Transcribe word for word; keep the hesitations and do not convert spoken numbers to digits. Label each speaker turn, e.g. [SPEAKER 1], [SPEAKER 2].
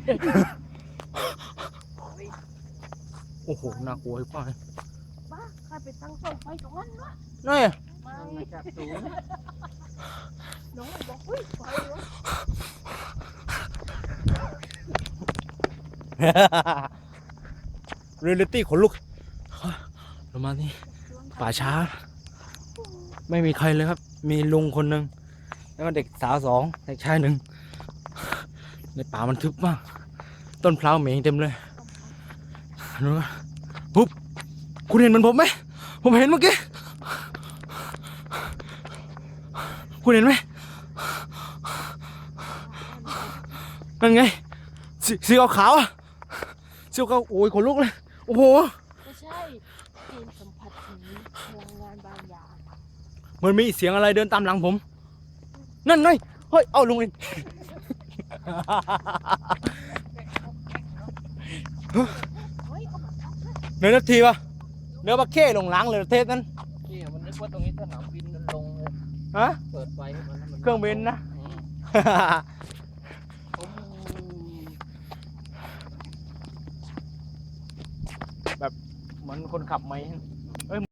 [SPEAKER 1] โอ้โหน่ากลัวไอ้ป้าย
[SPEAKER 2] บ้าใครไปตั้งเสาไฟตรงนั้นวะ
[SPEAKER 1] นี่
[SPEAKER 2] ไม่จับสูงน้องเลยบอกอุ้ยไฟวะ
[SPEAKER 1] เรียลลิตี้ขนลุกเรามาที่ป่าช้า ไม่มีใครเลยครับ มีลุงคนหนึ่งแล้วก็เด็กสาวสองเด็กชายหนึ่งในป่ามันทึบมาก ต้นพร้าวเหม็นเต็มเลยดูนะปุ๊บคุณเห็นเหมือนผมไหมผมเห็นเมื่อกี้คุณเห็นไหมนั่นไงสีสีขาวๆอ่ะสีขาวโอ้ยขนลุกเลยโอ้โห
[SPEAKER 2] ไม่ใช่เกมสัมผัสถึงพลังงานบางอย่าง
[SPEAKER 1] มันมีเสียงอะไรเดินตามหลังผม นั่นไง เฮ้ย เอาลุงเอง
[SPEAKER 2] เฮ้ยเอามาทับนะ
[SPEAKER 1] เนื้อนาทีวะเนื้อปลาเข้ลงล้างเลยเทศนั้น
[SPEAKER 3] ที่มันนึกว่าตรงนี้สนามบินมันลงเลย
[SPEAKER 1] ฮะ
[SPEAKER 3] เปิดไฟให้มันให้มัน
[SPEAKER 1] เครื่องบินนะ
[SPEAKER 3] อืมผม
[SPEAKER 1] แบบเหมือนคนขับไหม